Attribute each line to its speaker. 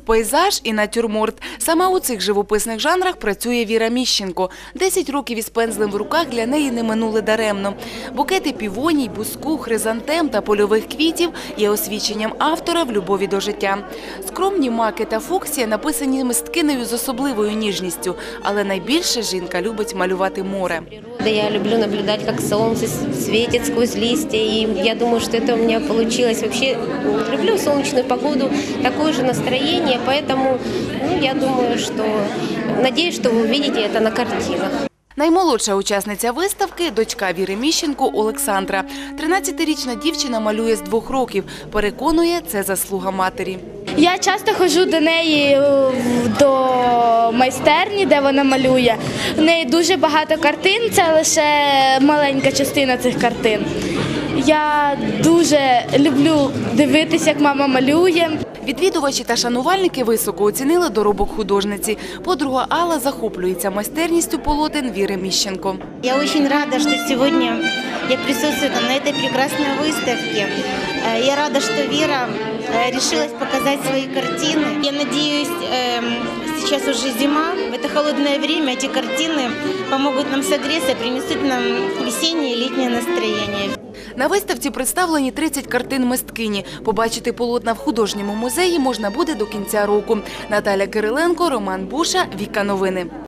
Speaker 1: Пейзаж і натюрморт. Саме у цих живописних жанрах працює Віра Міщенко. 10 років із пензлем в руках для неї не минули даремно. Букети півоній, буску, хризантем та польових квітів є освідченням автора в любові до життя. Скромні маки та фуксія написані мисткинею з особливою ніжністю, але найбільше жінка любить малювати море.
Speaker 2: Я люблю наблюдать, как солнце светит сквозь листья, и я думаю, что это у меня получилось. Вообще люблю солнечную погоду, такое же настроение, поэтому я думаю, что надеюсь, что вы увидите это на картинах.
Speaker 1: Наймолодша учасниця виставки – дочка Віри Міщенко Олександра. 13-річна дівчина малює з 2 років. Переконує, це заслуга матері.
Speaker 3: Я часто ходжу до неї до майстерні, де вона малює. В неї дуже багато картин, це лише маленька частина цих картин. Я дуже люблю дивитися, як мама малює.
Speaker 1: Відвідувачі та шанувальники високо оцінили доробок художниці. Подруга Алла захоплюється майстерністю полотен Віри Міщенко.
Speaker 4: Я очень рада, что сегодня я присутствую на этой прекрасной выставке. Я рада, что Вера решилась показать свои картины. Я надеюсь, сейчас уже зима, в это холодное время эти картины помогут нам согреться, принесут нам весеннее и летнее настроение.
Speaker 1: На виставці представлені 30 картин мисткині. Побачити полотна в художньому музеї можна буде до кінця року. Наталя Кириленко, Роман Буша, Віка Новини.